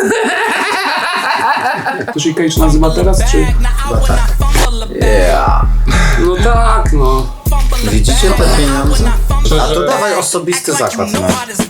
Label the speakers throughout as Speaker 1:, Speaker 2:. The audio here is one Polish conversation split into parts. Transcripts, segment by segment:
Speaker 1: To się Cage nazywa teraz, czy?
Speaker 2: Chyba tak.
Speaker 3: Yeah.
Speaker 1: No tak, no.
Speaker 2: Widzicie te pieniądze? A to dawaj osobisty zakład. No.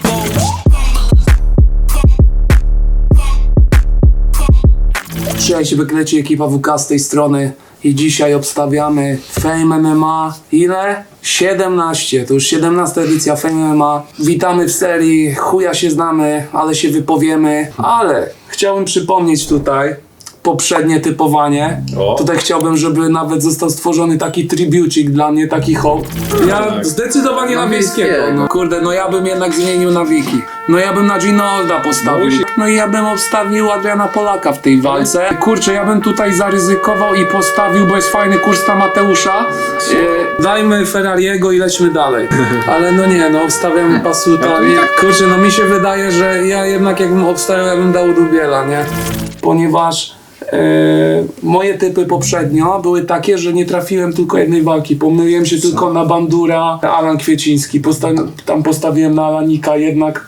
Speaker 1: Cześć, wykleci ekipa WK z tej strony i dzisiaj obstawiamy Fame MMA. Ile? 17, to już 17 edycja Fame MMA. Witamy w serii, chuja się znamy, ale się wypowiemy. Ale chciałbym przypomnieć tutaj poprzednie typowanie.
Speaker 4: O.
Speaker 1: Tutaj chciałbym, żeby nawet został stworzony taki tribucik dla mnie, taki hołd. Ja
Speaker 4: tak.
Speaker 1: zdecydowanie na Wiejskiego.
Speaker 3: Wiejskiego.
Speaker 1: No kurde, no ja bym jednak zmienił na Wiki. No ja bym na Ginolda postawił. No i ja bym obstawił Adriana Polaka w tej walce. Kurczę, ja bym tutaj zaryzykował i postawił, bo jest fajny kurs na Mateusza. Dajmy Ferrariego i lećmy dalej. Ale no nie, no obstawiamy Pasuta. Nie, kurczę, no mi się wydaje, że ja jednak jakbym obstawiał, ja bym dał Dubiela, nie? Ponieważ moje typy poprzednio były takie, że nie trafiłem tylko jednej walki. Pomyliłem się tylko na Bandura, Alan Kwieciński. Tam postawiłem na Alanika, jednak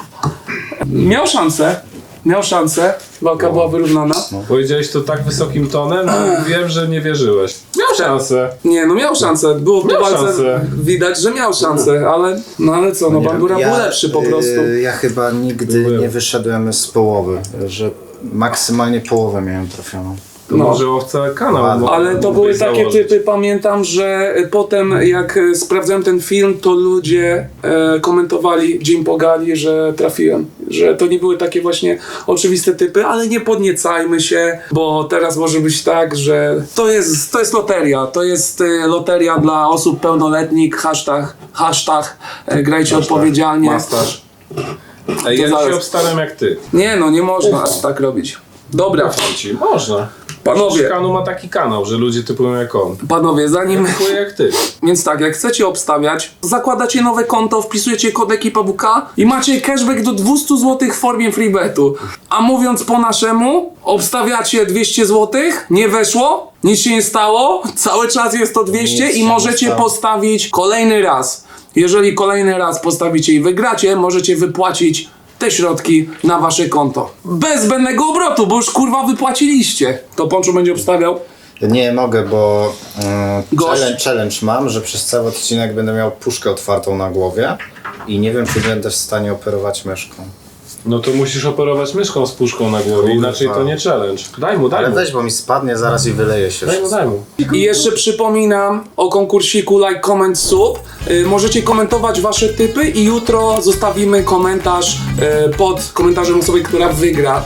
Speaker 1: miał szansę. Walka była wyrównana.
Speaker 4: Powiedziałeś to tak wysokim tonem, że wiem, że nie wierzyłeś. Miał szansę.
Speaker 1: Nie, no miał szansę. Było w
Speaker 4: Miał
Speaker 1: walce
Speaker 4: szansę.
Speaker 1: widać, że miał szansę, ale co, no Bandura był lepszy po prostu.
Speaker 2: Ja chyba nigdy nie wyszedłem z połowy, że maksymalnie połowę miałem trafioną.
Speaker 4: To może owca kanał.
Speaker 1: Ale to były takie
Speaker 4: założyć.
Speaker 1: typy, pamiętam, że potem jak sprawdzałem ten film, to ludzie komentowali Jim Pogali, że trafiłem. Że to nie były takie właśnie oczywiste typy, ale nie podniecajmy się, bo teraz może być tak, że to jest loteria. To jest loteria dla osób pełnoletnich, hashtag grajcie odpowiedzialnie.
Speaker 4: Mastaż. Ej, ja
Speaker 1: zaraz.
Speaker 4: się obstawiam jak ty.
Speaker 1: Nie no, nie można tak robić. Dobra,
Speaker 4: Ci. Można.
Speaker 1: Panowie.
Speaker 4: Kanu ma taki kanał, że ludzie typują jak on.
Speaker 1: panowie, zanim...
Speaker 4: Typuję jak ty.
Speaker 1: Więc tak, jak chcecie obstawiać, zakładacie nowe konto, wpisujecie kod ekipa WK i macie cashback do 200 zł w formie freebetu. A mówiąc po naszemu, obstawiacie 200 zł, nie weszło, nic się nie stało, cały czas jest to 200
Speaker 2: Nic
Speaker 1: i
Speaker 2: się
Speaker 1: możecie
Speaker 2: nie stało.
Speaker 1: postawić kolejny raz. Jeżeli kolejny raz postawicie i wygracie, możecie wypłacić te środki na wasze konto. Bez zbędnego obrotu, bo już kurwa wypłaciliście. To Ponczu będzie obstawiał.
Speaker 2: Nie mogę, bo
Speaker 1: Gość.
Speaker 2: challenge mam, że przez cały odcinek będę miał puszkę otwartą na głowie i nie wiem, czy będę w stanie operować myszką.
Speaker 4: No to musisz operować myszką z puszką na głowie,
Speaker 2: Kurwa.
Speaker 4: inaczej to nie challenge. Daj mu, daj
Speaker 2: Ale
Speaker 4: mu.
Speaker 2: weź, bo mi spadnie zaraz i wyleje się
Speaker 4: Daj mu,
Speaker 2: wszystko.
Speaker 4: daj mu.
Speaker 1: I jeszcze przypominam o konkursiku like, comment, sub. Możecie komentować wasze typy i jutro zostawimy komentarz pod komentarzem osoby, która wygra.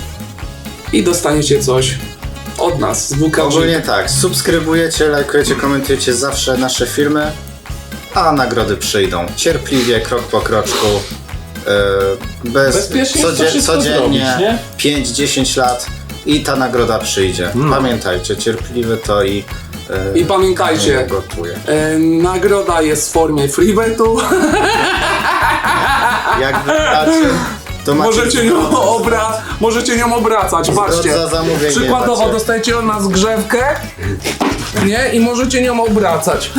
Speaker 1: I dostaniecie coś od nas z WK.
Speaker 2: Ogólnie tak, subskrybujecie, lajkujecie, komentujecie zawsze nasze filmy, a nagrody przyjdą. Cierpliwie, krok po kroczku.
Speaker 4: Bezpiecznie jest to wszystko
Speaker 2: codziennie,
Speaker 4: zrobić, nie?
Speaker 2: 5-10 lat i ta nagroda przyjdzie. Pamiętajcie, cierpliwie to i
Speaker 1: pamiętajcie,
Speaker 2: gotuje.
Speaker 1: nagroda jest w formie freebetu.
Speaker 2: Jak wygracie, to macie
Speaker 1: Możecie nią obracać, patrzcie.
Speaker 2: za zamówienie
Speaker 1: Przykładowo
Speaker 2: macie.
Speaker 1: dostajecie od nas grzewkę, nie? I możecie nią obracać.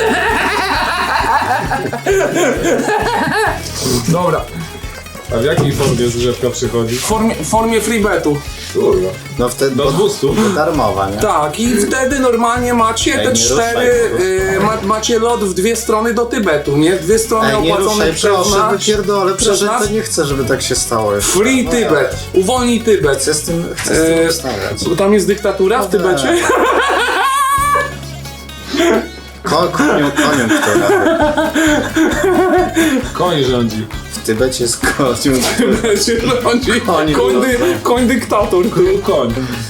Speaker 1: Dobra.
Speaker 4: A w jakiej formie zgrzewka przychodzi?
Speaker 1: W formie freebetu.
Speaker 4: Kurwa.
Speaker 2: No wtedy
Speaker 4: Do 200?
Speaker 2: darmowa, nie?
Speaker 1: Tak, i wtedy normalnie macie
Speaker 2: Ej,
Speaker 1: te
Speaker 2: nie
Speaker 1: cztery,
Speaker 2: ruszaj,
Speaker 1: macie lot w dwie strony do Tybetu, nie? Dwie strony
Speaker 2: Ej, nie
Speaker 1: opłacone
Speaker 2: ruszaj,
Speaker 1: przez
Speaker 2: proszę,
Speaker 1: nas.
Speaker 2: wypierdolę,
Speaker 1: przez
Speaker 2: przecież
Speaker 1: nas.
Speaker 2: to nie chcę, żeby tak się stało jeszcze.
Speaker 1: Free
Speaker 2: No
Speaker 1: Tybet, uwolnij Tybet.
Speaker 2: Chcę z tym ustawiać.
Speaker 1: Bo tam jest dyktatura w Tybecie?
Speaker 2: Koniunktura.
Speaker 4: Koń rządzi.
Speaker 2: W Tybecie jest koniunktura.
Speaker 1: Tybecie rządzi
Speaker 2: Oni
Speaker 1: koń dyktator.
Speaker 4: Król koń.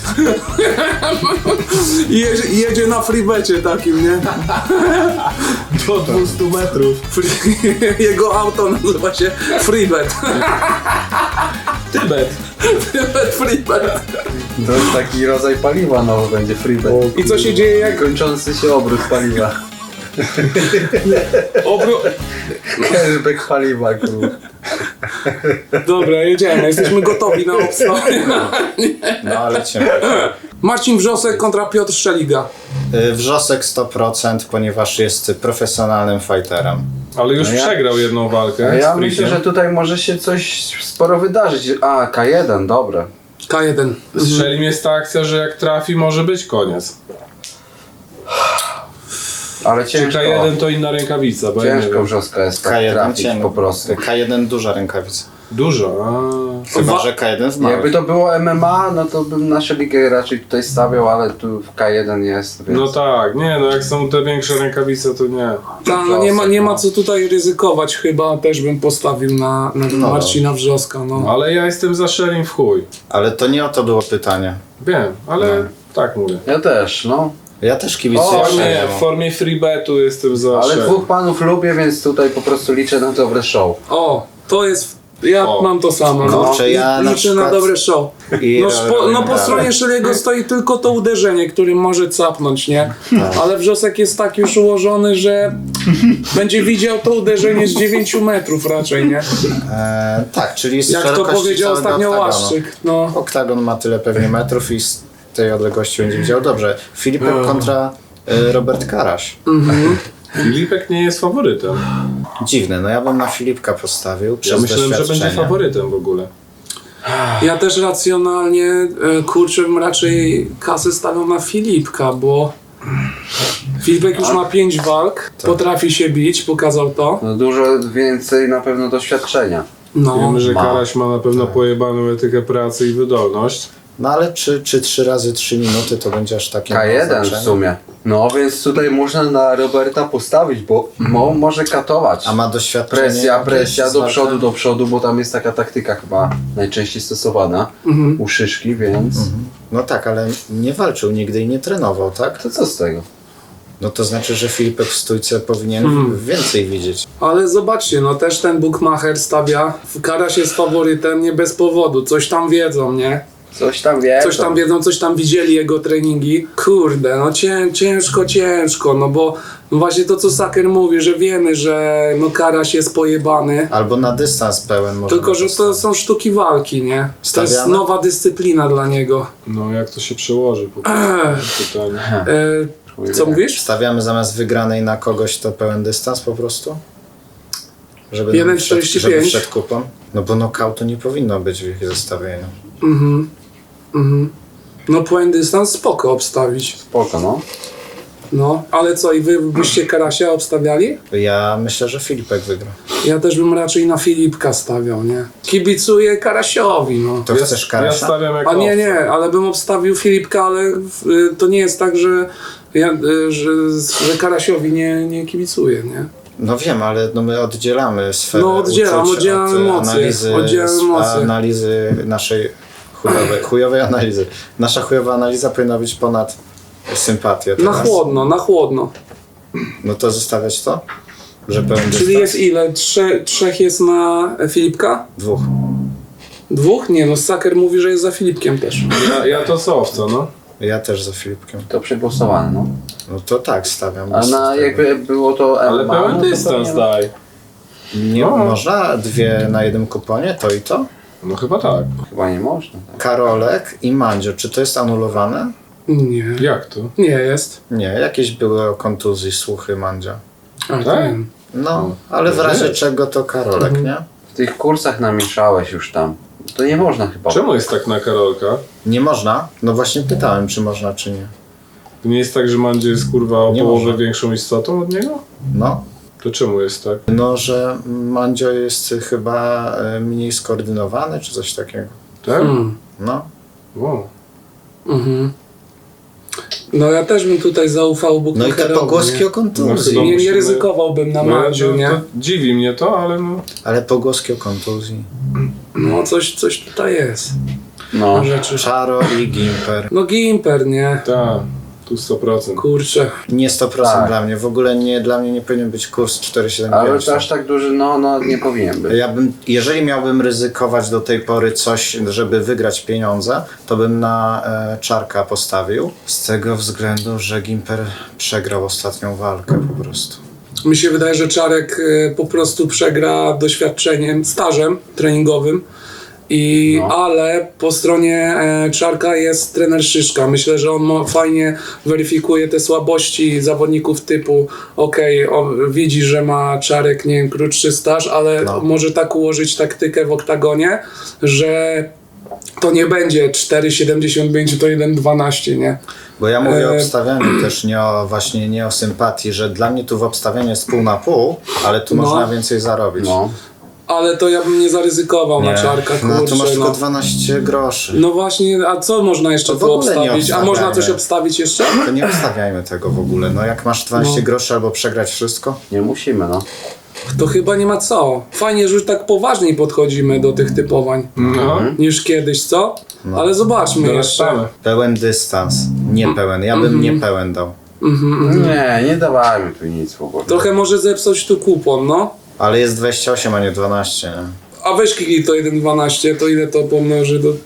Speaker 1: Jedzie na freebecie takim, nie?
Speaker 4: Do 200 metrów.
Speaker 1: Jego auto nazywa się Freebet.
Speaker 4: Tybet.
Speaker 1: Tybet Freebet.
Speaker 3: To jest taki rodzaj paliwa nowy będzie, freebet.
Speaker 1: I co się dzieje jak...
Speaker 3: Kończący się obrót paliwa. Cashback paliwa, kurwa.
Speaker 1: Dobra, jedziemy. Jesteśmy gotowi na obstawienie.
Speaker 2: No ale cię.
Speaker 1: Marcin Wrzosek kontra Piotr Szeliga.
Speaker 2: Wrzosek 100%, ponieważ jest profesjonalnym fighterem.
Speaker 4: Ale już
Speaker 3: No ja-
Speaker 4: przegrał jedną walkę.
Speaker 3: Ja
Speaker 4: z
Speaker 3: myślę,
Speaker 4: Prisiem.
Speaker 3: że tutaj może się coś sporo wydarzyć. A, K1, dobra.
Speaker 1: K1.
Speaker 4: Strzeli mnie ta akcja, że jak trafi, może być koniec.
Speaker 3: Ale
Speaker 4: Czy
Speaker 3: ciężko.
Speaker 4: K1 to inna rękawica, bo ja nie
Speaker 3: Ciężko
Speaker 4: wiem.
Speaker 3: wrzoska jest tak
Speaker 2: K1
Speaker 3: trafić
Speaker 2: ciemno.
Speaker 3: po prostu.
Speaker 2: K1 duża rękawica.
Speaker 4: Dużo,
Speaker 2: Chyba, że K1 w małych.
Speaker 3: Jakby to było MMA, no to bym naszą ligę raczej tutaj stawiał, ale tu w K1 jest, więc...
Speaker 4: No tak, nie no jak są te większe rękawice, to nie.
Speaker 1: No nie ma co tutaj ryzykować chyba, też bym postawił na Marcina Wrzoska, no.
Speaker 4: Ale ja jestem za Sherin w chuj.
Speaker 2: Ale to nie o to było pytanie.
Speaker 4: Wiem, ale tak mówię.
Speaker 3: Ja też, no.
Speaker 2: Ja też
Speaker 4: W
Speaker 2: kibicuję
Speaker 4: formie,
Speaker 2: Sheriemu.
Speaker 4: w formie freebetu jestem za
Speaker 3: Ale
Speaker 4: Sherin.
Speaker 3: dwóch panów lubię, więc tutaj po prostu liczę na dobre show.
Speaker 1: O, to jest... Ja
Speaker 4: O.
Speaker 1: mam to samo, no.
Speaker 2: Kurczę, ja na
Speaker 1: Liczę na
Speaker 2: przykład-
Speaker 1: dobre show.
Speaker 2: I
Speaker 1: Po stronie Szeliego stoi tylko to uderzenie, którym może capnąć, nie? Ale Wrzosek jest tak już ułożony, że będzie widział to uderzenie z 9 metrów raczej, nie?
Speaker 2: Tak, czyli z
Speaker 1: Jak to
Speaker 2: szerokości
Speaker 1: powiedział
Speaker 2: całego
Speaker 1: ostatnio
Speaker 2: oktagonu.
Speaker 1: Łaszczyk, no.
Speaker 2: Oktagon ma tyle pewnie metrów i z tej odległości będzie widział dobrze. Filipek kontra Robert Karaś.
Speaker 4: Filipek nie jest faworytem.
Speaker 2: Dziwne, no ja bym na Filipka postawił przez
Speaker 4: Ja myślałem, że będzie
Speaker 2: doświadczenie.
Speaker 4: faworytem w ogóle.
Speaker 1: Ja też racjonalnie, kurczę, bym raczej kasę stawiał na Filipka, bo Filipek już ma 5 walk, potrafi się bić, pokazał to.
Speaker 3: No dużo więcej na pewno doświadczenia.
Speaker 1: No.
Speaker 4: Wiemy, że
Speaker 3: ma.
Speaker 4: Karaś ma na pewno pojebaną etykę pracy i wydolność.
Speaker 2: No ale czy 3 razy 3 minuty to będzie aż takie mało
Speaker 3: K1 w
Speaker 2: znaczenie?
Speaker 3: sumie. No więc tutaj można na Roberta postawić, bo może katować.
Speaker 2: A ma doświadczenie?
Speaker 3: Presja
Speaker 2: jakieś
Speaker 3: do
Speaker 2: z
Speaker 3: przodu, bo tam jest taka taktyka chyba najczęściej stosowana u Szyszki, więc
Speaker 2: No tak, ale nie walczył nigdy i nie trenował, tak?
Speaker 3: to co z tego?
Speaker 2: No to znaczy, że Filipek w stójce powinien więcej widzieć.
Speaker 1: Ale zobaczcie, no też ten bookmacher stawia, Karaś jest faworytem nie bez powodu, coś tam wiedzą, nie?
Speaker 3: Coś tam wie.
Speaker 1: Coś tam wiedzą, coś tam widzieli jego treningi. Kurde, no ciężko, no bo no właśnie to co Saker mówi, że wiemy, że no Karaś jest pojebany.
Speaker 2: Albo na dystans pełen może.
Speaker 1: Tylko, że to są sztuki walki, nie? To jest
Speaker 2: Stawiamy?
Speaker 1: nowa dyscyplina dla niego.
Speaker 4: No jak to się przełoży po prostu? Pytanie.
Speaker 1: Co mówisz?
Speaker 2: Stawiamy zamiast wygranej na kogoś to pełen dystans po prostu? Żeby
Speaker 1: 1,45.
Speaker 2: żeby przed kupą? No bo knockoutu nie powinno być w ich zestawieniu.
Speaker 1: No point dystans spoko obstawić.
Speaker 3: Spoko, no.
Speaker 1: No, ale co, i wy byście Karasia obstawiali?
Speaker 2: Ja myślę, że Filipek wygra.
Speaker 1: Ja też bym raczej na Filipka stawiał, nie? Kibicuję Karasiowi, no.
Speaker 2: To chcesz
Speaker 4: Ja
Speaker 2: Karasia?
Speaker 4: stawiam jako
Speaker 1: A nie,
Speaker 4: opcję.
Speaker 1: ale bym obstawił Filipka, ale to nie jest tak, że, że Karasiowi nie kibicuję, nie?
Speaker 2: No wiem, ale no my oddzielamy sferę
Speaker 1: No oddzielam
Speaker 2: uczuć od
Speaker 1: emocje,
Speaker 2: analizy naszej chujowej analizy. Nasza chujowa analiza powinna być ponad sympatię.
Speaker 1: Na
Speaker 2: teraz.
Speaker 1: chłodno.
Speaker 2: No to zostawiać to? Że pełen
Speaker 1: Czyli
Speaker 2: dystans?
Speaker 1: jest ile? Trzech jest na Filipka?
Speaker 2: 2.
Speaker 1: 2? Nie, no Saker mówi, że jest za Filipkiem też.
Speaker 4: Ja to co owca, no.
Speaker 2: Ja też za Filipkiem.
Speaker 3: To przegłosowane, no.
Speaker 2: No to tak stawiam.
Speaker 3: A
Speaker 2: bez
Speaker 3: na
Speaker 2: tego.
Speaker 3: jakby było to
Speaker 4: Ale
Speaker 3: MMA,
Speaker 4: pełen
Speaker 3: no to
Speaker 4: dystans
Speaker 3: pewnie-
Speaker 4: daj.
Speaker 2: Nie
Speaker 4: No.
Speaker 2: można 2 na jednym kuponie, to i to?
Speaker 4: No chyba tak.
Speaker 3: Chyba nie można. Tak.
Speaker 2: Karolek i Mandzio, czy to jest anulowane?
Speaker 1: Nie.
Speaker 4: Jak to?
Speaker 1: Nie jest.
Speaker 2: Nie, jakieś były o kontuzji słuchy Mandzia.
Speaker 1: A,
Speaker 4: Tak?
Speaker 1: wiem.
Speaker 2: No, ale w razie czego to Karolek, nie?
Speaker 3: W tych kursach namieszałeś już tam. To nie można chyba.
Speaker 4: Czemu jest tak na Karolka?
Speaker 2: Nie można? No właśnie pytałem, czy można, czy nie.
Speaker 4: To nie jest tak, że Mandzie jest kurwa o
Speaker 2: Nie
Speaker 4: połowę
Speaker 2: może.
Speaker 4: większą istotą od niego?
Speaker 2: No,
Speaker 4: To czemu jest tak?
Speaker 2: no, że Mandzio jest chyba mniej skoordynowany, czy coś takiego.
Speaker 4: Tak?
Speaker 2: No,
Speaker 4: Wow.
Speaker 1: No ja też bym tutaj zaufał
Speaker 2: no i
Speaker 1: bookmacherowi.
Speaker 2: te pogłoski
Speaker 1: nie?
Speaker 2: o kontuzji.
Speaker 4: No,
Speaker 1: Nie
Speaker 4: musimy-
Speaker 1: ryzykowałbym na Mandziu,
Speaker 4: to,
Speaker 1: nie?
Speaker 4: to dziwi mnie to, ale no.
Speaker 2: Ale pogłoski o kontuzji.
Speaker 1: No coś tutaj jest.
Speaker 3: No.
Speaker 1: Rzeczy.
Speaker 2: Czaro i Gimper.
Speaker 1: No Gimper, nie?
Speaker 4: Tak, tu 100%.
Speaker 1: Kurczę.
Speaker 2: Nie 100%
Speaker 3: Tak.
Speaker 2: dla mnie. W ogóle nie, dla mnie nie powinien być kurs 4,75.
Speaker 3: Ale to aż tak duży, no nie powinien być.
Speaker 2: Ja bym, jeżeli miałbym ryzykować do tej pory coś, żeby wygrać pieniądze, to bym na Czarka postawił. Z tego względu, że Gimper przegrał ostatnią walkę po prostu.
Speaker 1: Mi się wydaje, że Czarek po prostu przegra doświadczeniem, stażem treningowym. Ale po stronie Czarka jest trener Szyszka. Myślę, że on fajnie weryfikuje te słabości zawodników typu on widzi, że ma Czarek, nie wiem, krótszy staż, ale
Speaker 2: No.
Speaker 1: może tak ułożyć taktykę w oktagonie, że to nie będzie 4,75, to 1,12, nie?
Speaker 2: Bo ja mówię o obstawianiu też, nie o sympatii, że dla mnie tu w obstawianiu jest pół na pół, ale tu można więcej zarobić.
Speaker 3: No.
Speaker 1: Ale to ja bym nie zaryzykował na czarkach,
Speaker 2: no
Speaker 1: kurczę,
Speaker 2: tu masz tylko
Speaker 1: no.
Speaker 2: 12 groszy.
Speaker 1: No właśnie, a co można jeszcze
Speaker 2: To w
Speaker 1: tu
Speaker 2: ogóle nie
Speaker 1: obstawić? A można coś
Speaker 2: obstawiamy.
Speaker 1: obstawić jeszcze?
Speaker 2: To nie obstawiajmy tego w ogóle. No jak masz 12 groszy albo przegrać wszystko,
Speaker 3: Nie musimy, no.
Speaker 1: To chyba nie ma co. Fajnie, że już tak poważniej podchodzimy do tych typowań
Speaker 4: No.
Speaker 1: niż kiedyś, co? Ale zobaczmy jeszcze.
Speaker 4: Dorastamy.
Speaker 2: pełen dystans, niepełen. Ja bym niepełen dał.
Speaker 3: Nie dawajmy tu nic w ogóle.
Speaker 1: Trochę może zepsuć tu kupon, no.
Speaker 2: Ale jest 28, a nie 12. Nie?
Speaker 1: A weź kliknij to 1,12, to ile to pomnoży do...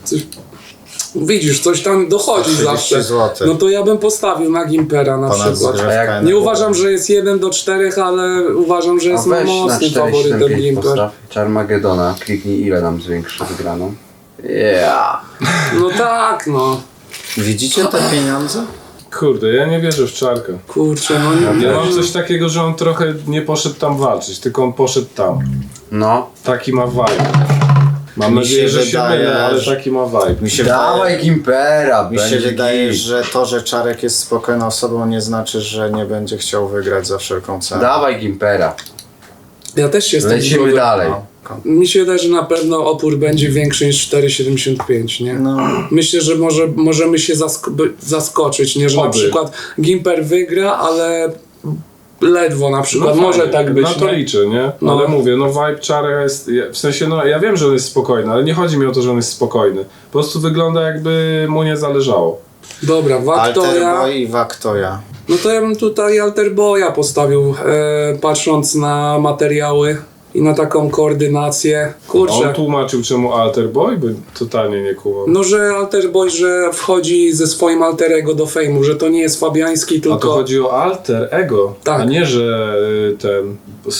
Speaker 1: Widzisz, coś tam dochodzi
Speaker 2: 130
Speaker 1: zawsze.
Speaker 2: złotych.
Speaker 1: No to ja bym postawił na Gimpera na
Speaker 2: Ponad
Speaker 1: przykład.
Speaker 2: zgrywka.
Speaker 1: Nie uważam, że jest 1:4, ale uważam, że
Speaker 3: A
Speaker 1: jest
Speaker 3: weź na
Speaker 1: mocnym faworytem
Speaker 3: 4,75
Speaker 1: Gimper.
Speaker 3: postaw Charmagedona, kliknij ile nam zwiększy wygraną. Yeah.
Speaker 1: No tak, no.
Speaker 2: Widzicie te pieniądze?
Speaker 4: Kurde, ja nie wierzę w czarka.
Speaker 1: Kurczę, no nie.
Speaker 4: Ja mam coś takiego, że on trochę nie poszedł tam walczyć, tylko on poszedł tam.
Speaker 3: No.
Speaker 4: Taki ma vibe. Mam
Speaker 2: Mi
Speaker 4: nadzieję,
Speaker 2: się
Speaker 4: że się
Speaker 2: wydaje,
Speaker 4: mylę, ale
Speaker 2: że-
Speaker 4: taki ma vibe.
Speaker 2: Mi się
Speaker 3: Dawaj Gimpera,
Speaker 2: Mi się
Speaker 3: będzie
Speaker 2: wydaje,
Speaker 3: git.
Speaker 2: że to, że Czarek jest spokojną osobą, nie znaczy, że nie będzie chciał wygrać za wszelką cenę.
Speaker 3: Dawaj Gimpera.
Speaker 1: Ja też się jestem
Speaker 3: Lecimy
Speaker 1: zgodzony.
Speaker 3: dalej.
Speaker 1: Mi się wydaje, że na pewno opór będzie większy niż 4,75, nie?
Speaker 2: No,
Speaker 1: Myślę, że możemy się zaskoczyć, nie? Że na
Speaker 4: Oby.
Speaker 1: przykład Gimper wygra, ale ledwo na przykład. Może
Speaker 4: fajnie,
Speaker 1: tak być,
Speaker 4: na to
Speaker 1: nie?
Speaker 4: liczę, nie?
Speaker 1: No.
Speaker 4: Ale mówię, no vibe Czarka jest, w sensie, no ja wiem, że on jest spokojny, ale nie chodzi mi o to, że on jest spokojny. Po prostu wygląda jakby mu nie zależało.
Speaker 1: Dobra, Waktoja.
Speaker 2: Alterboy i Waktoja.
Speaker 1: No to ja bym tutaj Alterboya postawił, patrząc na materiały i na taką koordynację. Kurczę.
Speaker 4: On tłumaczył czemu Alter Boy, by totalnie nie kumał.
Speaker 1: No, że Alterboy, że wchodzi ze swoim alterego do fejmu, że to nie jest Fabiański,
Speaker 4: A to
Speaker 1: tylko...
Speaker 4: chodzi o alter ego,
Speaker 1: Tak.
Speaker 4: a nie, że ten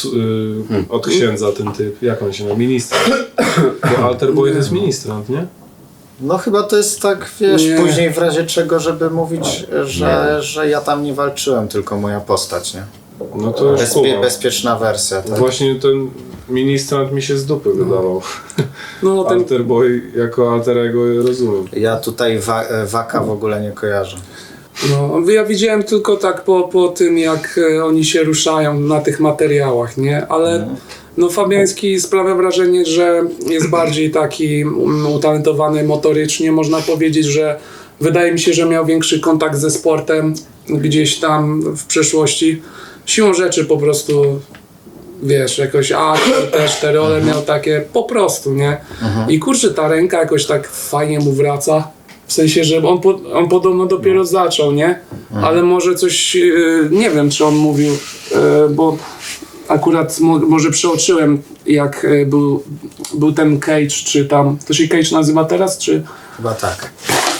Speaker 4: od księdza ten typ, jak on się nazywa, ministrant. Bo Alter Boy to jest ministrant, nie?
Speaker 2: No chyba to jest tak, wiesz,
Speaker 1: Nie.
Speaker 2: później w razie czego, żeby mówić, że ja tam nie walczyłem, tylko moja postać, nie?
Speaker 4: No to już kumam.
Speaker 2: Bezpieczna wersja, tak?
Speaker 4: Właśnie ten ministrant mi się z dupy wydawał.
Speaker 1: No, ten
Speaker 4: Alter Boy jako alterego rozumiem.
Speaker 2: Ja tutaj Waka w ogóle nie kojarzę.
Speaker 1: No, ja widziałem tylko tak po tym, jak oni się ruszają na tych materiałach, nie? Ale no, Fabiański sprawia wrażenie, że jest bardziej taki utalentowany motorycznie. Można powiedzieć, że wydaje mi się, że miał większy kontakt ze sportem gdzieś tam w przeszłości. Siłą rzeczy po prostu, wiesz, jakoś też te role miał takie po prostu, nie? I kurczę, ta ręka jakoś tak fajnie mu wraca. W sensie, że on podobno dopiero zaczął, nie? Ale może coś, nie wiem, czy on mówił, bo akurat może przeoczyłem, jak był ten Cage, czy tam, to się Cage nazywa teraz, czy?
Speaker 2: Chyba tak.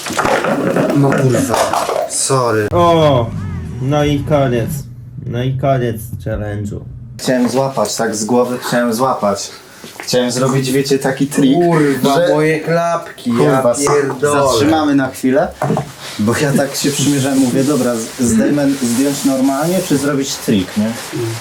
Speaker 1: No,
Speaker 2: Sorry.
Speaker 5: O, no i koniec. No i koniec challenge'u.
Speaker 2: Chciałem złapać, tak z głowy chciałem złapać. Chciałem zrobić, wiecie, taki trik,
Speaker 3: Kurwa,
Speaker 2: że...
Speaker 3: moje klapki,
Speaker 2: Kurwa,
Speaker 3: ja pierdolę.
Speaker 2: zatrzymamy na chwilę, bo ja tak się przymierzałem, mówię, dobra, zdjąć normalnie, czy zrobić trik, nie?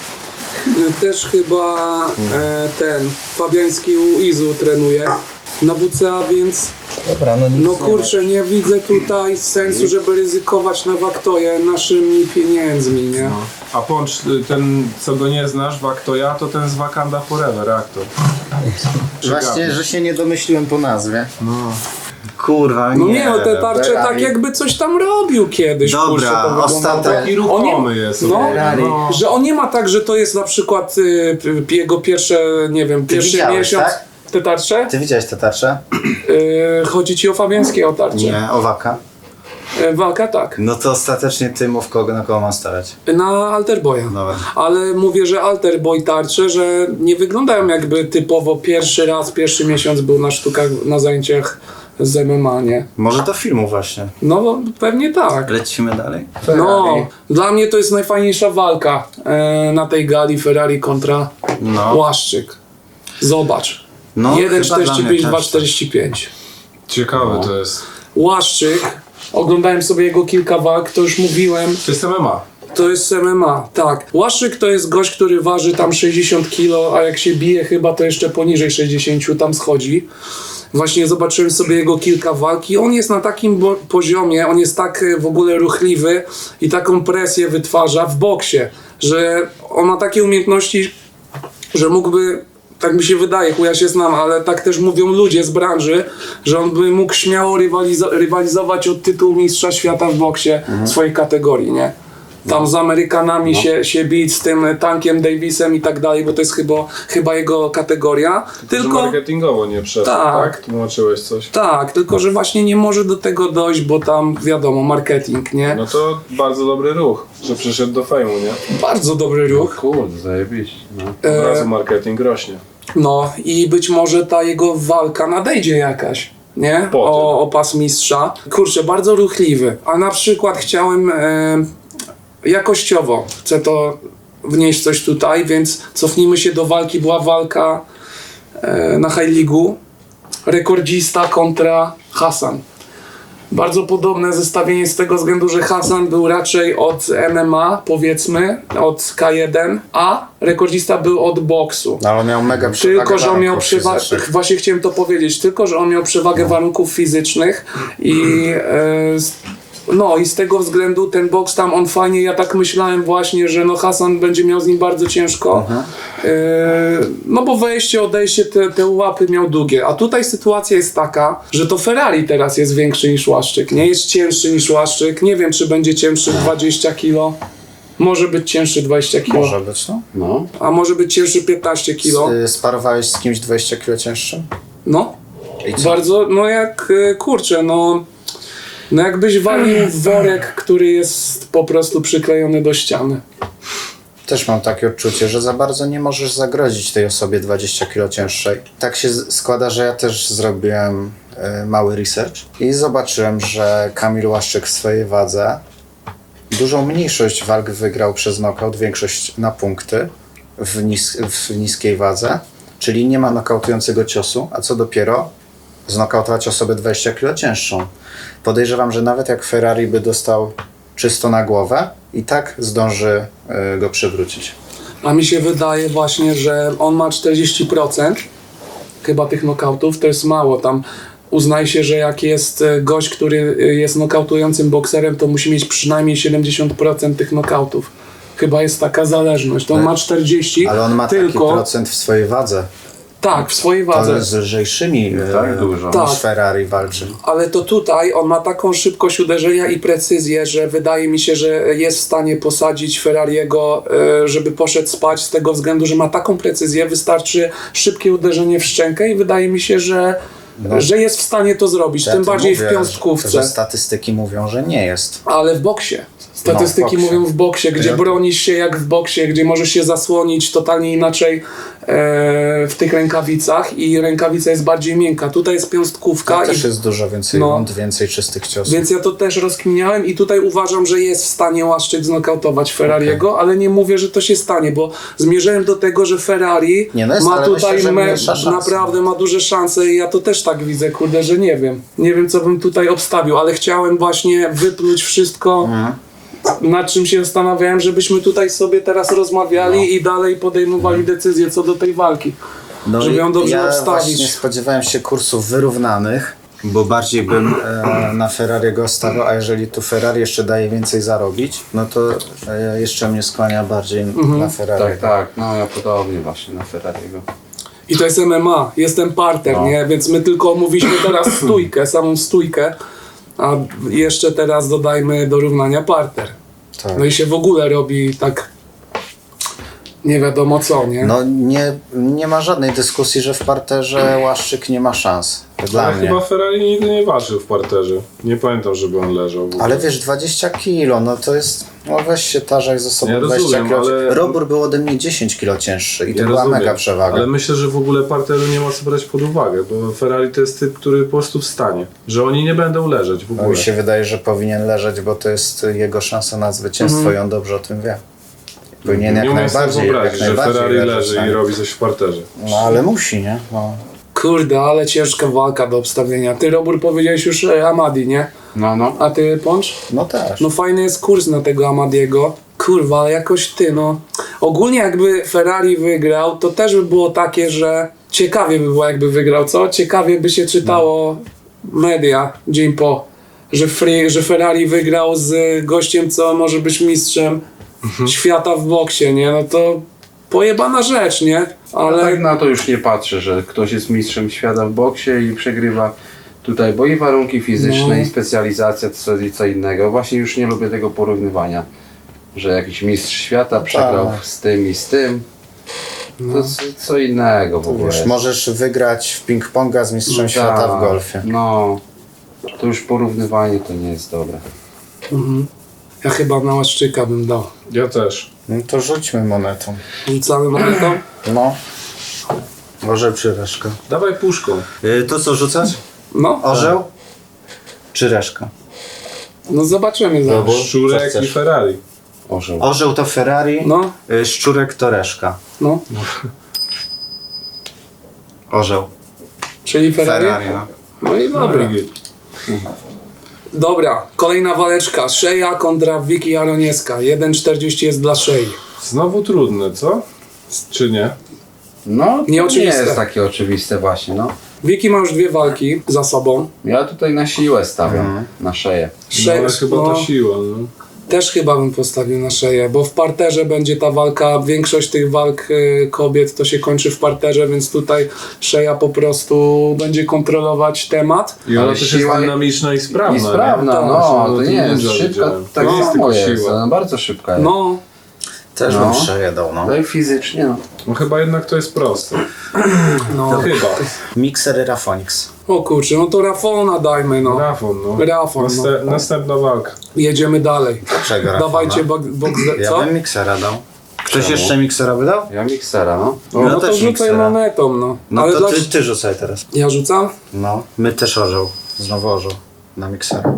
Speaker 1: też chyba ten Fabiański u Izu trenuje na WCA, więc
Speaker 2: Dobra, no nic
Speaker 1: no kurczę, nie widzę tutaj sensu, żeby ryzykować na Waktoję naszymi pieniędzmi, nie?
Speaker 4: A Poncz, ten co go nie znasz, Waktoja, to ten z Wakanda Forever, aktor.
Speaker 2: Właśnie, że się nie domyśliłem po nazwie. No. Kurwa,
Speaker 1: No nie, no te tarcze
Speaker 2: Ferrari.
Speaker 1: tak jakby coś tam robił kiedyś.
Speaker 2: Dobra,
Speaker 1: kurczę, to wyglądało
Speaker 2: ostatek.
Speaker 1: tak.
Speaker 4: Taki ruchomy jest.
Speaker 1: No,
Speaker 4: no.
Speaker 1: że on nie ma tak, że to jest na przykład jego pierwsze, nie wiem, pierwszy
Speaker 2: widziałeś,
Speaker 1: miesiąc.
Speaker 2: tak?
Speaker 1: Te tarcze?
Speaker 2: Ty widziałeś te tarcze?
Speaker 1: Chodzi ci o Fabiańskiego tarcze?
Speaker 2: Nie, o Waka.
Speaker 1: Walka tak.
Speaker 2: No to ostatecznie ty mów, na kogo mam stawiać.
Speaker 1: Na Alterboya.
Speaker 2: Dobra.
Speaker 1: Ale mówię, że Alterboy tarcze, że nie wyglądają jakby typowo pierwszy miesiąc był na sztukach, na zajęciach z MMA, nie?
Speaker 2: Może do filmu właśnie.
Speaker 1: No pewnie tak.
Speaker 2: Lecimy dalej?
Speaker 1: No, dla mnie to jest najfajniejsza walka na tej gali Ferrari kontra
Speaker 2: No.
Speaker 1: Łaszczyk. Zobacz.
Speaker 2: No, chyba dla mnie
Speaker 1: 1,45,
Speaker 2: też.
Speaker 1: 2,45.
Speaker 4: Ciekawe to jest.
Speaker 1: Łaszczyk, oglądałem sobie jego kilka walk, to już mówiłem,
Speaker 4: To jest MMA.
Speaker 1: to jest MMA, tak. Łaszczyk to jest gość, który waży tam 60 kg, a jak się bije chyba to jeszcze poniżej 60 tam schodzi. Właśnie zobaczyłem sobie jego kilka walk i on jest na takim poziomie, on jest tak w ogóle ruchliwy i taką presję wytwarza w boksie, że on ma takie umiejętności, że mógłby, tak mi się wydaje, ja się znam, ale tak też mówią ludzie z branży, że on by mógł śmiało rywalizować o tytuł mistrza świata w boksie swojej kategorii, nie? Tam z Amerykanami się bić, z tym Tankiem Davisem i tak dalej, bo to jest chyba jego kategoria.
Speaker 4: Tylko marketingowo nie przeszło, tak? Tłumaczyłeś coś?
Speaker 1: Tak, tylko że właśnie nie może do tego dojść, bo tam wiadomo, marketing, nie?
Speaker 4: No to bardzo dobry ruch, że przyszedł do fejmu, nie?
Speaker 1: Bardzo dobry ruch.
Speaker 3: Kurde, zajebiście. No.
Speaker 4: Od razu marketing rośnie.
Speaker 1: No i być może ta jego walka nadejdzie jakaś, nie? O pas mistrza. Kurczę, bardzo ruchliwy. A na przykład chciałem jakościowo, chcę to wnieść coś tutaj, więc cofnijmy się do walki. Była walka na High League'u. Rekordzista kontra Hassan. Bardzo podobne zestawienie z tego względu, że Hassan był raczej od MMA, powiedzmy, od K1, a rekordzista był od boksu.
Speaker 2: No, ale on miał mega przewagę.
Speaker 1: Tylko, że on miał
Speaker 2: warunków
Speaker 1: przewagę,
Speaker 2: fizycznych.
Speaker 1: właśnie chciałem to powiedzieć, tylko, że on miał przewagę warunków fizycznych i no i z tego względu ten boks tam on fajnie, ja tak myślałem właśnie, że no Hassan będzie miał z nim bardzo ciężko, no bo wejście, odejście, te łapy miał długie, a tutaj sytuacja jest taka, że to Ferrari teraz jest większy niż Łaszczyk, nie jest cięższy niż Łaszczyk, nie wiem czy będzie cięższy 20 kg, może być cięższy 20 kg,
Speaker 2: Może być, no.
Speaker 3: No.
Speaker 1: a może być cięższy 15 kg,
Speaker 2: Sparowałeś z kimś 20 kg cięższym?
Speaker 1: no.
Speaker 2: I co?
Speaker 1: Bardzo, no jak, kurczę, no jakbyś walił w worek, który jest po prostu przyklejony do ściany.
Speaker 2: Też mam takie odczucie, że za bardzo nie możesz zagrozić tej osobie 20 kg cięższej. Tak się składa, że ja też zrobiłem mały research i zobaczyłem, że Kamil Łaszczyk w swojej wadze dużą mniejszość walk wygrał przez knockout, większość na punkty w niskiej wadze, czyli nie ma nokautującego ciosu, a co dopiero znokautować osobę 20 kg cięższą. Podejrzewam, że nawet jak Ferrari by dostał czysto na głowę, i tak zdąży go przywrócić.
Speaker 1: A mi się wydaje właśnie, że on ma 40% chyba tych knokautów, to jest mało. Tam uznaje się, że jak jest gość, który jest nokautującym bokserem, to musi mieć przynajmniej 70% tych knokautów. Chyba jest taka zależność. To on ma 40,
Speaker 2: Ale on ma taki
Speaker 1: tylko
Speaker 2: procent w swojej wadze.
Speaker 1: tak, w swojej
Speaker 2: To
Speaker 1: wadze.
Speaker 2: z lżejszymi
Speaker 3: Tak dużo.
Speaker 2: niż
Speaker 1: Tak.
Speaker 2: Ferrari walczy.
Speaker 1: Ale to tutaj on ma taką szybkość uderzenia i precyzję, że wydaje mi się, że jest w stanie posadzić Ferrariego, żeby poszedł spać z tego względu, że ma taką precyzję, wystarczy szybkie uderzenie w szczękę i wydaje mi się, że jest w stanie to zrobić,
Speaker 2: Ja
Speaker 1: tym
Speaker 2: to
Speaker 1: bardziej
Speaker 2: mówię,
Speaker 1: w piąstkówce.
Speaker 2: Że statystyki mówią, że nie jest.
Speaker 1: Ale w boksie. Statystyki
Speaker 2: No, w boksie.
Speaker 1: mówią w boksie, gdzie bronisz się jak w boksie, gdzie możesz się zasłonić totalnie inaczej w tych rękawicach i rękawica jest bardziej miękka. Tutaj jest piąstkówka.
Speaker 2: To też jest dużo więcej
Speaker 1: No.
Speaker 2: rund, więcej czystych ciosów.
Speaker 1: Więc ja to też rozkminiałem i tutaj uważam, że jest w stanie Łaszczyk znokautować Ferrariego, ale nie mówię, że to się stanie, bo zmierzałem do tego, że Ferrari
Speaker 2: Nie, no jest,
Speaker 1: ma
Speaker 2: ale
Speaker 1: tutaj
Speaker 2: myślę, że mniejsza szansa.
Speaker 1: naprawdę ma duże szanse i ja to też tak widzę, kurde, że nie wiem. Nie wiem, co bym tutaj obstawił, ale chciałem właśnie wypluć wszystko, nad czym się zastanawiałem, żebyśmy tutaj sobie teraz rozmawiali i dalej podejmowali decyzje co do tej walki.
Speaker 2: No
Speaker 1: żeby ją dobrze
Speaker 2: ja
Speaker 1: obstawić.
Speaker 2: właśnie spodziewałem się kursów wyrównanych, bo bardziej bym na Ferrariego stawiał, a jeżeli tu Ferrari jeszcze daje więcej zarobić, no to jeszcze mnie skłania bardziej na Ferrari.
Speaker 3: Tak, tak, no ja podobnie właśnie na Ferrariego.
Speaker 1: I to jest MMA, jest ten parter, nie? Więc my tylko omówiliśmy teraz stójkę, samą stójkę, a jeszcze teraz dodajmy do równania parter.
Speaker 2: Tak.
Speaker 1: No i się w ogóle robi tak nie wiadomo co, nie?
Speaker 2: No nie ma żadnej dyskusji, że w parterze Łaszczyk nie ma szans. Dla
Speaker 4: Ale
Speaker 2: mnie.
Speaker 4: chyba Ferrari nigdy nie walczył w parterze. Nie pamiętam, żeby on leżał. w ogóle.
Speaker 2: Ale wiesz, 20 kilo, no to jest... No weź się tarzaj ze sobą
Speaker 4: Ja
Speaker 2: 20
Speaker 4: rozumiem,
Speaker 2: kilo.
Speaker 4: ale-
Speaker 2: Robór był ode mnie 10 kilo cięższy i to
Speaker 4: Ja
Speaker 2: była
Speaker 4: rozumiem,
Speaker 2: mega przewaga.
Speaker 4: Ale myślę, że w ogóle parteru nie ma co brać pod uwagę, bo Ferrari to jest typ, który po prostu wstanie. Że oni nie będą leżeć w
Speaker 2: No,
Speaker 4: ogóle.
Speaker 2: mi się wydaje, że powinien leżeć, bo to jest jego szansa na zwycięstwo i on dobrze o tym wie. Powinien
Speaker 4: Nie
Speaker 2: jak
Speaker 4: umiem sobie
Speaker 2: najbardziej,
Speaker 4: wyobrazić, że Ferrari leży i robi coś w parterze.
Speaker 2: No ale musi, nie? No.
Speaker 1: Kurde, ale ciężka walka do obstawienia. Ty, Robur, powiedziałeś już Amadi, nie?
Speaker 3: No.
Speaker 1: A ty, Poncz?
Speaker 2: No też.
Speaker 1: No fajny jest kurs na tego Amadiego. Kurwa, ale jakoś ty, no. Ogólnie jakby Ferrari wygrał, to też by było takie, że ciekawie by było jakby wygrał, co? Ciekawie by się czytało media dzień po, że Ferrari wygrał z gościem, co może być mistrzem świata w boksie, nie? No to pojebana rzecz, nie?
Speaker 3: Ale
Speaker 1: Ale
Speaker 3: tak na to już nie patrzę, że ktoś jest mistrzem świata w boksie i przegrywa tutaj, bo i warunki fizyczne,
Speaker 1: No.
Speaker 3: i specjalizacja, co innego. Właśnie już nie lubię tego porównywania, że jakiś mistrz świata przegrał z tym i z tym. To co innego w ogóle.
Speaker 2: Wiesz,
Speaker 3: jest.
Speaker 2: możesz wygrać w ping-ponga z mistrzem
Speaker 3: Tak,
Speaker 2: świata w golfie.
Speaker 3: No, to już porównywanie to nie jest dobre.
Speaker 1: ja chyba na Łaszczyka bym dał.
Speaker 4: Ja też.
Speaker 2: No to rzućmy monetą.
Speaker 1: Rzucamy monetą?
Speaker 2: No. Może czy reszka.
Speaker 4: Dawaj puszką.
Speaker 2: To co rzucać?
Speaker 1: No,
Speaker 2: Orzeł? Czy reszka?
Speaker 1: no zobaczymy zaraz.
Speaker 2: Bo-
Speaker 4: Szczurek
Speaker 2: co
Speaker 4: i
Speaker 2: chcesz?
Speaker 4: Ferrari.
Speaker 3: Orzeł.
Speaker 2: Orzeł to Ferrari,
Speaker 1: No,
Speaker 2: szczurek to reszka.
Speaker 1: no,
Speaker 2: Orzeł.
Speaker 1: czyli Ferrari?
Speaker 2: no.
Speaker 1: No i dobra.
Speaker 4: Dobra.
Speaker 1: Dobra, kolejna waleczka. Szeja kontra Wiki Jaronieska. 1,40 jest dla Szei.
Speaker 4: Znowu trudne, co? Czy nie?
Speaker 3: No, to nie
Speaker 1: Nieoczywiste.
Speaker 3: jest takie oczywiste właśnie, no.
Speaker 1: Wiki ma już 2 walki za sobą.
Speaker 3: Ja tutaj na siłę stawiam, na szeję.
Speaker 4: No, ale chyba
Speaker 1: no,
Speaker 4: ta siła, no.
Speaker 1: też chyba bym postawił na Szeję, bo w parterze będzie ta walka. Większość tych walk kobiet to się kończy w parterze, więc tutaj Szeja po prostu będzie kontrolować temat.
Speaker 4: I ona
Speaker 3: Ale
Speaker 4: też jest
Speaker 3: siła-
Speaker 4: dynamiczna i sprawna,
Speaker 3: I sprawna,
Speaker 1: Tak,
Speaker 3: no,
Speaker 4: no,
Speaker 3: to
Speaker 4: to
Speaker 3: nie jest
Speaker 4: dużo
Speaker 3: szybka,
Speaker 4: widziałem.
Speaker 3: tak
Speaker 4: No, jest
Speaker 3: samo
Speaker 4: tylko
Speaker 3: jest,
Speaker 4: siła.
Speaker 3: ona bardzo szybka jest.
Speaker 1: No,
Speaker 2: Też
Speaker 3: No.
Speaker 2: bym szeję dał, no.
Speaker 3: No i fizycznie, no.
Speaker 4: No chyba jednak to jest proste.
Speaker 1: no.
Speaker 4: Chyba.
Speaker 2: Mikser Rafonix.
Speaker 1: O kurczę, no to Rafona dajmy, no.
Speaker 4: Rafon, no.
Speaker 1: Rafon, no.
Speaker 4: Następna walka.
Speaker 1: Jedziemy dalej.
Speaker 2: Czego Rafona?
Speaker 1: Dawajcie boks,
Speaker 2: Ja
Speaker 1: co?
Speaker 2: bym miksera dał. Ktoś
Speaker 3: Czemu?
Speaker 2: jeszcze miksera by dał?
Speaker 3: Ja miksera, no.
Speaker 1: No,
Speaker 2: Ja
Speaker 1: to
Speaker 2: też
Speaker 1: rzucaj
Speaker 2: miksera.
Speaker 1: monetą, no.
Speaker 2: No
Speaker 1: Ale
Speaker 2: to
Speaker 1: dla...
Speaker 2: ty rzucaj teraz.
Speaker 1: Ja rzucam?
Speaker 2: No, my też orzeł. Znowu orzeł. Na miksera.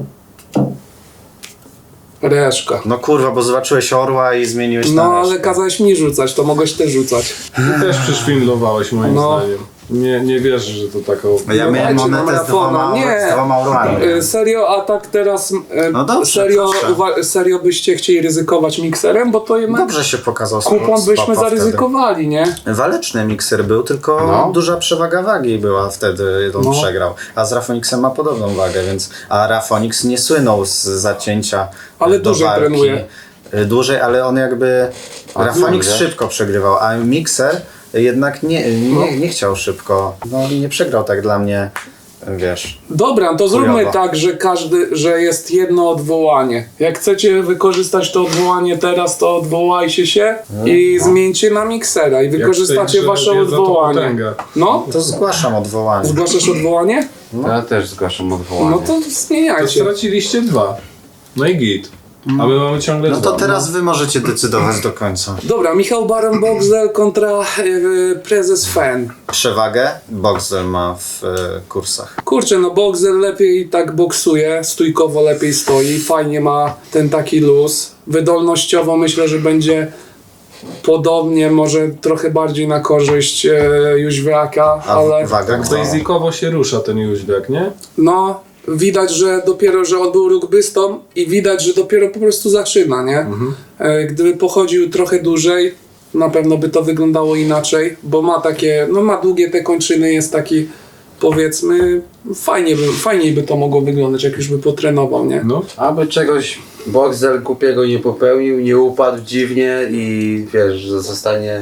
Speaker 1: Reszka.
Speaker 2: No kurwa, bo zobaczyłeś orła i zmieniłeś na
Speaker 1: No ale
Speaker 2: reszkę.
Speaker 1: kazałeś mi rzucać, to mogłeś też rzucać.
Speaker 4: Ty też przyszwindlowałeś moim
Speaker 1: No.
Speaker 4: zdaniem. Nie wierzę, że to taką...
Speaker 2: No ja
Speaker 1: No
Speaker 2: miałem
Speaker 1: dajcie nam
Speaker 2: monetę z
Speaker 1: Rafona. Nie.
Speaker 2: dwoma orłami.
Speaker 1: Serio, a tak teraz
Speaker 2: No dobrze,
Speaker 1: serio,
Speaker 2: proszę.
Speaker 1: serio byście chcieli ryzykować mikserem, bo to jednak
Speaker 2: Dobrze się pokazał
Speaker 1: kupon byśmy
Speaker 2: Spapa
Speaker 1: zaryzykowali, nie?
Speaker 2: wtedy. Waleczny mikser był, tylko
Speaker 3: No.
Speaker 2: duża przewaga wagi była wtedy, on
Speaker 1: No.
Speaker 2: przegrał. A z Rafonixem ma podobną wagę, więc... A Rafonix nie słynął z zacięcia
Speaker 1: Ale
Speaker 2: do
Speaker 1: dłużej
Speaker 2: walki.
Speaker 1: trenuje.
Speaker 2: Dłużej, ale on jakby... Rafonix
Speaker 3: dłużej.
Speaker 2: szybko przegrywał, a mikser jednak nie chciał szybko. No nie przegrał tak dla mnie, wiesz...
Speaker 1: Dobra, to zróbmy
Speaker 2: Chujowo.
Speaker 1: tak, że jest jedno odwołanie. Jak chcecie wykorzystać to odwołanie teraz, to odwołajcie się i zmieńcie na miksera i
Speaker 4: Jak
Speaker 1: wykorzystacie
Speaker 4: w tej grze
Speaker 1: wasze
Speaker 4: wiedza, to
Speaker 1: odwołanie.
Speaker 4: potęga.
Speaker 1: No?
Speaker 2: To zgłaszam odwołanie.
Speaker 1: Zgłaszasz odwołanie?
Speaker 3: Ja też zgłaszam odwołanie.
Speaker 1: No to
Speaker 4: To
Speaker 1: zmieniajcie.
Speaker 4: straciliście 2. No i git. A my mamy ciągle
Speaker 2: No
Speaker 4: 2.
Speaker 2: to teraz wy możecie decydować do końca.
Speaker 1: Dobra, Michał Baron-Boxel kontra prezes Fan.
Speaker 2: Przewagę Boxel ma w kursach.
Speaker 1: Kurczę, no Boxel lepiej tak boksuje, stójkowo lepiej stoi, fajnie ma ten taki luz. Wydolnościowo myślę, że będzie podobnie, może trochę bardziej na korzyść Jóźwiaka,
Speaker 2: A
Speaker 1: ale
Speaker 2: waga
Speaker 4: Tak
Speaker 2: kto?
Speaker 4: basicowo się rusza ten Jóźwiak, nie?
Speaker 1: no widać, że dopiero, że on był rugbystą i widać, że dopiero po prostu zaczyna, nie? Gdyby pochodził trochę dłużej, na pewno by to wyglądało inaczej, bo ma takie, no ma długie te kończyny, jest taki, powiedzmy, fajniej by to mogło wyglądać, jak już by potrenował, nie?
Speaker 4: No.
Speaker 3: Aby czegoś Boxel głupiego nie popełnił, nie upadł dziwnie i wiesz, że zostanie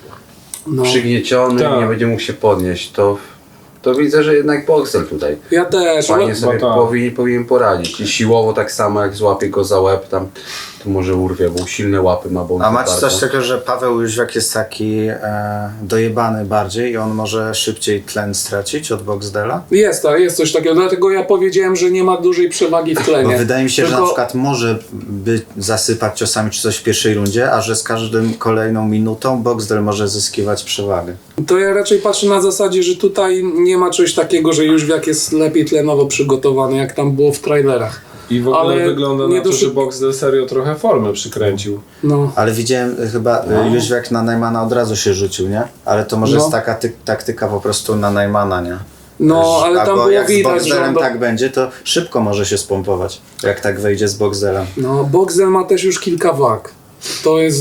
Speaker 1: No.
Speaker 3: przygnieciony
Speaker 4: Tak.
Speaker 3: i nie będzie mógł się podnieść, to widzę, że jednak Boxel tutaj
Speaker 1: Ja też,
Speaker 3: fajnie sobie
Speaker 4: tak.
Speaker 3: powinien poradzić. I siłowo tak samo, jak złapie go za łeb tam, to może urwie, bo silne łapy ma. Bo
Speaker 2: A macie coś takiego, że Paweł Jóźwiak jest taki dojebany bardziej i on może szybciej tlen stracić od Boxdela?
Speaker 1: jest coś takiego, dlatego ja powiedziałem, że nie ma dużej przewagi w tlenie.
Speaker 2: Bo wydaje mi się, że
Speaker 1: Tylko-
Speaker 2: na przykład może by zasypać ciosami czy coś w pierwszej rundzie, a że z każdym kolejną minutą Boxdel może zyskiwać przewagę.
Speaker 1: To ja raczej patrzę na zasadzie, że tutaj nie ma czegoś takiego, że Jóźwiak jest lepiej tlenowo przygotowany, jak tam było w trailerach.
Speaker 4: I w ogóle
Speaker 1: Ale
Speaker 4: wygląda
Speaker 1: nie
Speaker 4: na to,
Speaker 1: doszy-
Speaker 4: że Boxdel serio trochę formę przykręcił.
Speaker 1: No.
Speaker 2: Ale widziałem chyba Jóźwiak na Najmana od razu się rzucił, nie? Ale to może
Speaker 1: No.
Speaker 2: jest taka taktyka po prostu na Najmana, nie?
Speaker 1: No, ale tam
Speaker 2: Albo
Speaker 1: było
Speaker 2: jak z
Speaker 1: widać, że
Speaker 2: Boxdelem
Speaker 1: on
Speaker 2: tak będzie, to szybko może się spompować, jak tak wejdzie z Boxdelem.
Speaker 1: No, Boxel ma też już kilka wag. To jest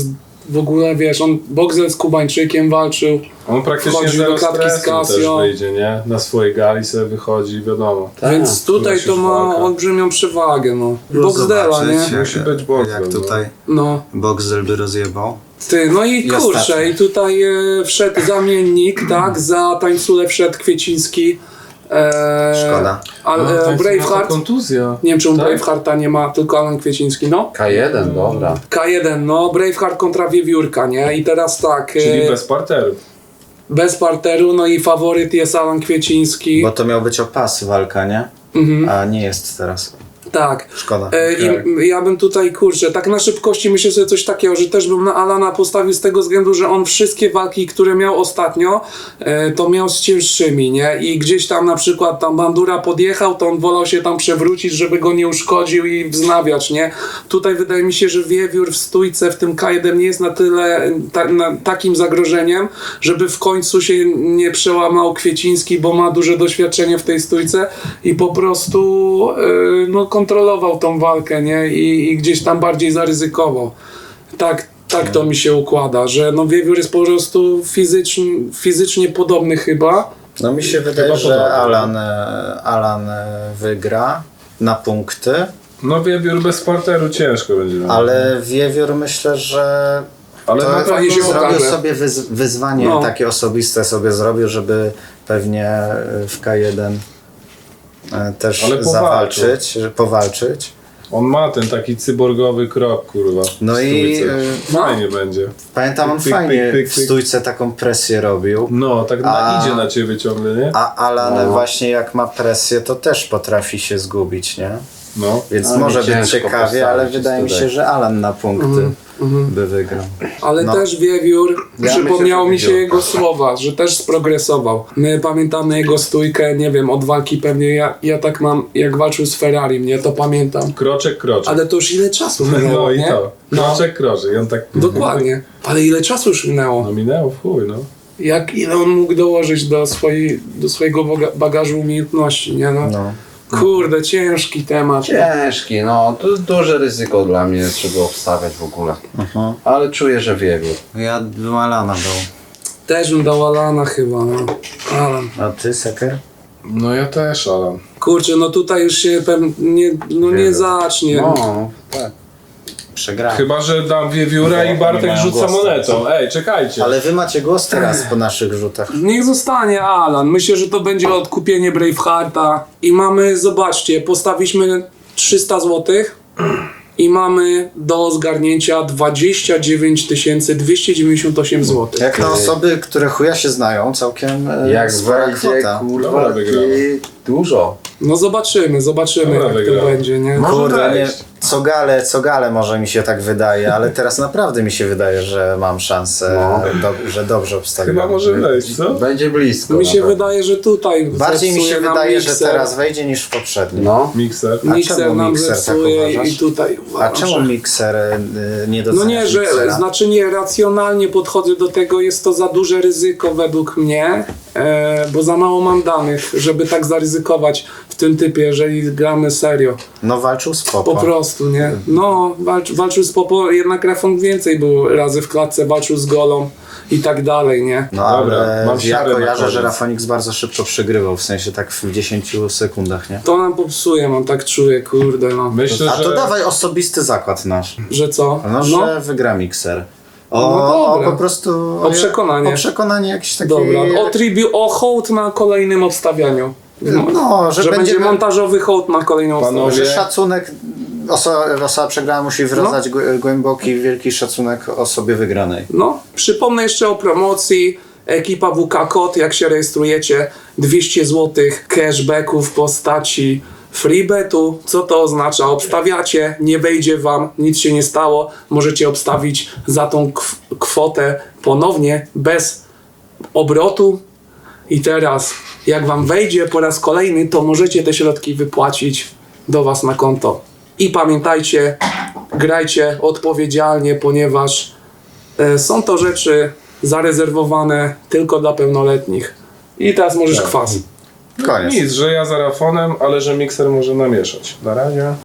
Speaker 1: w ogóle, wiesz, on Boxel z Kubańczykiem walczył.
Speaker 4: On praktycznie
Speaker 1: Wchodził
Speaker 4: zero
Speaker 1: do klatki z
Speaker 4: stresu też
Speaker 1: Casio.
Speaker 4: wyjdzie, nie? Na swojej gali sobie wychodzi, wiadomo.
Speaker 3: Tak,
Speaker 1: Więc tutaj
Speaker 4: musisz
Speaker 1: to ma
Speaker 4: walka.
Speaker 1: olbrzymią przewagę, no. Boxdela, nie?
Speaker 4: Musi być Boxel,
Speaker 2: Jak tutaj
Speaker 1: No.
Speaker 2: Boxel by rozjebał.
Speaker 1: Ty, no i
Speaker 2: I
Speaker 1: kurczę,
Speaker 2: ostatni.
Speaker 1: i tutaj wszedł zamiennik, tak? Za tańcule wszedł Kwieciński.
Speaker 2: Szkoda.
Speaker 1: Ale Braveheart.
Speaker 4: Kontuzja.
Speaker 1: Nie wiem, czemu
Speaker 4: Tak?
Speaker 1: Bravehearta nie ma, tylko Alan Kwieciński, no.
Speaker 3: K1, dobra.
Speaker 1: K1, no, Braveheart kontra Wiewiórka, nie? I teraz tak,
Speaker 4: Czyli bez parteru.
Speaker 1: bez parteru, no i faworyt jest Alan Kwieciński.
Speaker 2: Bo to miał być o pas walka, nie? A nie jest teraz.
Speaker 1: Tak.
Speaker 2: Szkoda.
Speaker 1: I ja bym tutaj, kurczę, tak na szybkości myślę sobie coś takiego, że też bym na Alana postawił z tego względu, że on wszystkie walki, które miał ostatnio, to miał z cięższymi, nie? I gdzieś tam na przykład tam Bandura podjechał, to on wolał się tam przewrócić, żeby go nie uszkodził i wznawiać, nie? Tutaj wydaje mi się, że Wiewiór w stójce w tym K1 nie jest na tyle takim zagrożeniem, żeby w końcu się nie przełamał Kwieciński, bo ma duże doświadczenie w tej stójce i po prostu no, kontrolował tą walkę, nie? I gdzieś tam bardziej zaryzykował. Tak to mi się układa, że no Wiewiór jest po prostu fizycznie podobny chyba.
Speaker 2: No mi się wydaje,
Speaker 4: Chyba
Speaker 2: że
Speaker 4: podobnie.
Speaker 2: Alan wygra na punkty,
Speaker 4: No Wiewiór bez parteru ciężko będzie.
Speaker 2: ale Wiewiór myślę, że
Speaker 4: Ale
Speaker 2: to
Speaker 4: na pewno
Speaker 1: fajnie się
Speaker 2: zrobił
Speaker 1: okaże.
Speaker 2: sobie wyzwanie
Speaker 1: No.
Speaker 2: takie osobiste sobie zrobił, żeby pewnie w K1 też
Speaker 4: Ale
Speaker 2: powalczyć.
Speaker 4: on ma ten taki cyborgowy krok, kurwa.
Speaker 2: No
Speaker 4: w
Speaker 2: i
Speaker 4: stójce. Fajnie będzie.
Speaker 2: pamiętam, on
Speaker 4: Pyk, pyk,
Speaker 2: fajnie
Speaker 4: pyk,
Speaker 2: w
Speaker 4: pyk.
Speaker 2: stójce taką presję robił.
Speaker 4: No, tak idzie na ciebie ciągle, nie?
Speaker 2: A Alan właśnie jak ma presję, to też potrafi się zgubić, nie?
Speaker 4: No.
Speaker 2: Więc
Speaker 3: Ale
Speaker 2: może być
Speaker 3: ciężko
Speaker 2: ciekawie, ale
Speaker 3: postawić
Speaker 2: wydaje mi
Speaker 3: tutaj.
Speaker 2: się, że Alan na punkty by wygrał.
Speaker 1: Ale
Speaker 2: No.
Speaker 1: też Wiewiór,
Speaker 3: Ja
Speaker 1: przypomniało
Speaker 3: myślę,
Speaker 1: mi
Speaker 3: że
Speaker 1: się
Speaker 3: Wiewiór.
Speaker 1: jego słowa, że też sprogresował. My pamiętamy jego stójkę, nie wiem, od walki pewnie, ja tak mam, jak walczył z Ferrari, nie, to pamiętam.
Speaker 4: Kroczek.
Speaker 1: Ale to już ile czasu minęło,
Speaker 4: No i
Speaker 1: nie?
Speaker 4: to. Kroczek. I on tak...
Speaker 1: Dokładnie. Ale ile czasu już minęło?
Speaker 4: No minęło w chuj, no.
Speaker 1: Ile on mógł dołożyć do swojego bagażu umiejętności, nie no?
Speaker 2: No.
Speaker 1: Kurde, ciężki temat.
Speaker 3: Ciężki, no. To duże ryzyko dla mnie, żeby obstawiać w ogóle. Ale czuję, że Wiewiór.
Speaker 2: Ja bym Alana dał.
Speaker 1: Też bym dał Alana chyba, no. Alan.
Speaker 2: A ty, Seker?
Speaker 4: No ja też, Alan.
Speaker 1: Kurczę, no tutaj już się nie zacznie.
Speaker 3: No, tak.
Speaker 2: Przegrałem.
Speaker 4: Chyba, że dam Wiewióra
Speaker 2: Nie
Speaker 4: i Bartek
Speaker 2: mają
Speaker 4: rzuca
Speaker 2: głosu.
Speaker 4: monetą. Ej, czekajcie.
Speaker 2: Ale wy macie głos teraz po naszych rzutach.
Speaker 1: Niech zostanie Alan. Myślę, że to będzie odkupienie Bravehearta. I mamy, zobaczcie, postawiliśmy 300 zł i mamy do zgarnięcia 29 298 zł.
Speaker 2: Jak na osoby, które chuja się znają, całkiem
Speaker 3: Jak
Speaker 2: spora
Speaker 3: wejdzie,
Speaker 2: kwota.
Speaker 3: kurwa,
Speaker 4: Dobra, wygramy.
Speaker 3: i dużo.
Speaker 1: No zobaczymy
Speaker 4: Dobra,
Speaker 1: jak
Speaker 4: wygrał.
Speaker 1: to będzie, nie?
Speaker 4: Może
Speaker 2: Kurde, nie,
Speaker 4: wejść.
Speaker 2: co gale może mi się tak wydaje, ale teraz naprawdę mi się wydaje, że mam szansę, że dobrze obstawiam.
Speaker 4: Chyba może wejść, co?
Speaker 3: Będzie blisko.
Speaker 1: Mi się
Speaker 3: nawet.
Speaker 1: wydaje, że tutaj
Speaker 2: Bardziej mi
Speaker 1: zepsuje
Speaker 2: się
Speaker 1: nam
Speaker 2: wydaje, że
Speaker 1: mikser.
Speaker 2: teraz wejdzie niż w poprzednim.
Speaker 3: No.
Speaker 4: Mikser.
Speaker 2: A
Speaker 1: Mikser
Speaker 2: czemu
Speaker 1: nam
Speaker 2: mikser tak
Speaker 1: zepsuje
Speaker 2: uważasz?
Speaker 1: i tutaj
Speaker 2: A
Speaker 1: uważam,
Speaker 2: czemu
Speaker 1: że...
Speaker 2: mikser nie
Speaker 1: No
Speaker 2: doceniasz
Speaker 1: nie, że
Speaker 2: miksera?
Speaker 1: znaczy nie, racjonalnie podchodzę do tego, jest to za duże ryzyko według mnie, bo za mało mam danych, żeby tak zaryzykować w tym typie, jeżeli gramy serio.
Speaker 2: No walczył z Popo.
Speaker 1: Po prostu, nie? No, walczył z Popo, jednak Rafon więcej był razy w klatce, walczył z Golą i tak dalej, nie?
Speaker 2: No
Speaker 4: Dobra,
Speaker 2: ale
Speaker 4: mam
Speaker 2: ja
Speaker 4: siarę na
Speaker 2: kojarzę, że
Speaker 4: koniec.
Speaker 2: Rafonix bardzo szybko przegrywał, w sensie tak w 10 sekundach, nie?
Speaker 1: To nam popsuje, mam tak czuję, kurde, no.
Speaker 4: Myślę,
Speaker 2: A to
Speaker 4: że...
Speaker 2: dawaj osobisty zakład nasz.
Speaker 1: Że co?
Speaker 2: No, że wygra mikser.
Speaker 1: No
Speaker 2: O
Speaker 1: dobra.
Speaker 2: po prostu...
Speaker 1: O przekonanie.
Speaker 2: O przekonanie jakieś takie...
Speaker 1: Dobra, o hołd na kolejnym obstawianiu.
Speaker 2: No,
Speaker 1: Że będzie montażowy hołd na kolejnym
Speaker 4: Panowie,
Speaker 1: obstawianiu.
Speaker 2: Że szacunek, osoba przegrała musi wyrażać głęboki, wielki szacunek osobie wygranej.
Speaker 1: No, przypomnę jeszcze o promocji. Ekipa WK Kod, jak się rejestrujecie, 200 zł cashbacku w postaci freebetu. Co to oznacza? Obstawiacie, nie wejdzie wam, nic się nie stało. Możecie obstawić za tą kwotę ponownie, bez obrotu. I teraz, jak wam wejdzie po raz kolejny, to możecie te środki wypłacić do was na konto. I pamiętajcie, grajcie odpowiedzialnie, ponieważ są to rzeczy zarezerwowane tylko dla pełnoletnich. I teraz możesz kwas.
Speaker 2: Koniec.
Speaker 4: nic, że ja za Rafonem, ale że mikser może namieszać. Na razie.